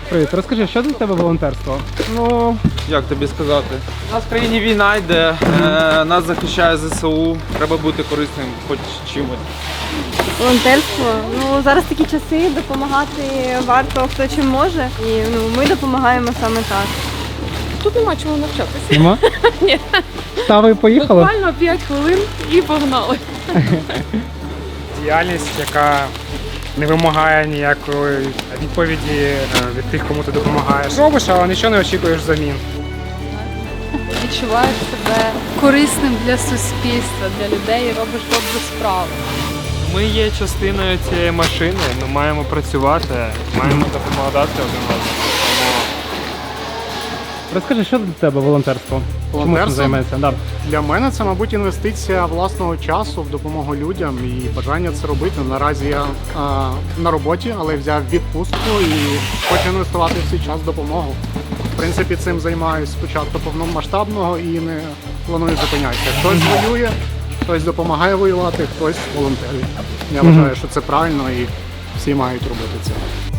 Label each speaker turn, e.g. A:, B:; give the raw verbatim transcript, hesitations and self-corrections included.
A: Привіт, розкажи, що для тебе волонтерство?
B: Ну, як тобі сказати? У нас в країні війна йде, е, нас захищає ЗСУ, треба бути корисним хоч чимось.
C: Волонтерство. Ну зараз такі часи, допомагати варто хто чим може. І ну ми допомагаємо саме так.
D: Тут нема чому навчатися.
A: Нема?
D: Ні.
A: Та ви поїхали?
D: Буквально п'ять хвилин і погнали.
E: Діяльність, яка не вимагає ніякої відповіді е, від тих, кому ти допомагаєш. Робиш, але нічого не очікуєш взамін.
D: Відчуваєш себе корисним для суспільства, для людей і робиш добру справу.
E: Ми є частиною цієї машини, ми маємо працювати, маємо допомагати один одному.
A: Розкажи, що для тебе волонтерство? Чому цим
F: Волонтерство?
A: займаєшся? Да.
F: Для мене це, мабуть, інвестиція власного часу в допомогу людям і бажання це робити. Наразі я а, на роботі, але взяв відпустку і хочу інвестувати в свій час в допомогу. В принципі, цим займаюся спочатку повномасштабного і не планую зупинятися. Хтось воює, хтось допомагає воювати, хтось волонтерить. Я вважаю, що це правильно і всі мають робити це.